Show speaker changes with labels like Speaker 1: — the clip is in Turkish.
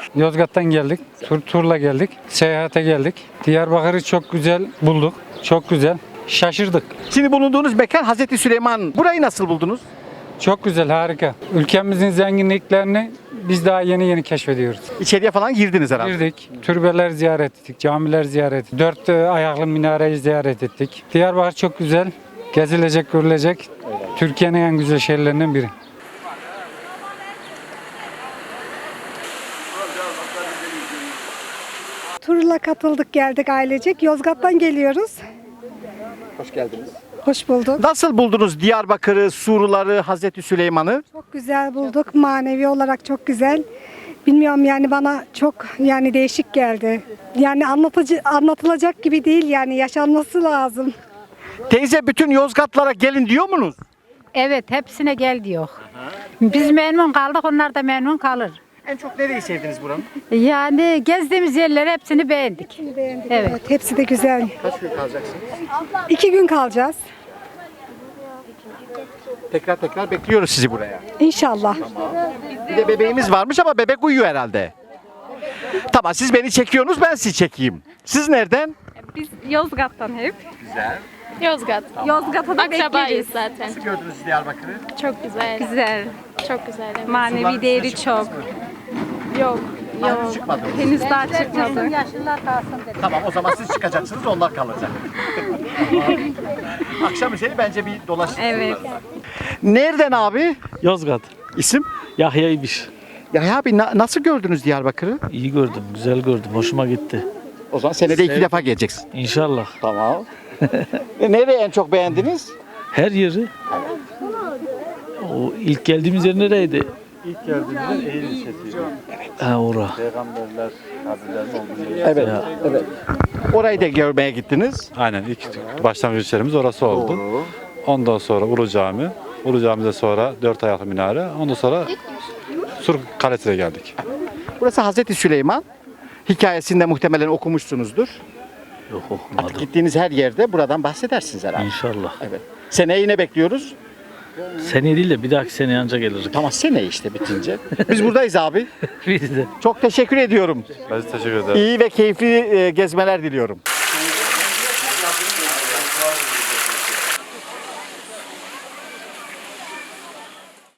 Speaker 1: Yozgat'tan geldik. Turla geldik. Seyahate geldik. Diyarbakır'ı çok güzel bulduk. Çok güzel. Şaşırdık.
Speaker 2: Şimdi bulunduğunuz mekan Hazreti Süleyman. Burayı nasıl buldunuz?
Speaker 1: Çok güzel, harika. Ülkemizin zenginliklerini biz daha yeni keşfediyoruz.
Speaker 2: İçeriye falan girdiniz herhalde.
Speaker 1: Girdik, türbeler ziyaret ettik, camiler ziyaret ettik. 4 ayaklı minareyi ziyaret ettik. Diyarbakır çok güzel, gezilecek, görülecek. Türkiye'nin en güzel şehirlerinden biri.
Speaker 3: Turla katıldık, geldik ailecek. Yozgat'tan geliyoruz.
Speaker 2: Hoş geldiniz.
Speaker 3: Hoş bulduk.
Speaker 2: Nasıl buldunuz Diyarbakır'ı, Surları, Hazreti Süleyman'ı?
Speaker 3: Çok güzel bulduk. Manevi olarak çok güzel. Bilmiyorum yani bana çok yani değişik geldi. Yani anlatılacak gibi değil yani yaşanması lazım.
Speaker 2: Teyze bütün Yozgatlara gelin diyor musunuz?
Speaker 4: Evet, hepsine gel diyor. Biz memnun kaldık, onlar da memnun kalır.
Speaker 2: En çok nereyi sevdiniz buranın?
Speaker 4: Yani gezdiğimiz yerleri hepsini beğendik.
Speaker 3: Beğendik.
Speaker 4: Evet.
Speaker 3: Evet, hepsi de güzel.
Speaker 2: Kaç gün kalacaksınız?
Speaker 3: 2 gün kalacağız.
Speaker 2: Tekrar bekliyoruz sizi buraya.
Speaker 3: İnşallah.
Speaker 2: Bir de bebeğimiz varmış ama bebek uyuyor herhalde. Tamam siz beni çekiyorsunuz ben sizi çekeyim. Siz nereden?
Speaker 5: Biz Yozgat'tan hep.
Speaker 2: Güzel.
Speaker 5: Yozgat.
Speaker 4: Yozgat'a da
Speaker 5: Akrabayız
Speaker 4: bekleriz.
Speaker 5: zaten.
Speaker 2: Nasıl gördünüz Diyarbakır'ı?
Speaker 5: Çok güzel.
Speaker 4: Güzel.
Speaker 5: Çok güzel. Evet.
Speaker 4: Manevi değeri çok.
Speaker 5: Yok.
Speaker 2: Henüz çıkmadı.
Speaker 4: Henüz daha çıkmadı.
Speaker 2: Tamam o zaman siz çıkacaksınız onlar kalacak. Akşam üzeri bence bir dolaşın.
Speaker 4: Evet.
Speaker 2: Nereden abi?
Speaker 6: Yozgat.
Speaker 2: İsim?
Speaker 6: Yahya'ymış.
Speaker 2: Ya abi nasıl gördünüz Diyarbakır'ı?
Speaker 6: İyi gördüm, güzel gördüm. Hoşuma gitti.
Speaker 2: O zaman senede 2 defa geleceksin.
Speaker 6: İnşallah.
Speaker 2: Tamam. Nereyi en çok beğendiniz?
Speaker 6: Her yeri. O ilk geldiğimiz yer nereydi?
Speaker 7: İlk geldiğimizde Eğri ilçesiydi.
Speaker 6: Ha ora.
Speaker 7: Peygamberler, kabirlerin olduğu yer.
Speaker 2: Evet. Evet. Orayı da görmeye gittiniz.
Speaker 7: Aynen ilk başlangıç yerimiz orası oldu. Ondan sonra Ulu Cami. Ulu Cami'de sonra 4 ayaklı minare. Ondan sonra Sur Kalesi'ne geldik.
Speaker 2: Burası Hazreti Süleyman. Hikayesinde muhtemelen okumuşsunuzdur.
Speaker 6: Yok okumadım.
Speaker 2: Gittiğiniz her yerde buradan bahsedersiniz herhalde.
Speaker 6: İnşallah.
Speaker 2: Evet. Seneye yine bekliyoruz.
Speaker 6: Seneye değil de bir dahaki seneye anca geliriz.
Speaker 2: Tamam seneye işte bitince. Biz buradayız abi.
Speaker 6: Bir de.
Speaker 2: Çok teşekkür ediyorum.
Speaker 7: Ben size teşekkür ederim.
Speaker 2: İyi ve keyifli gezmeler diliyorum.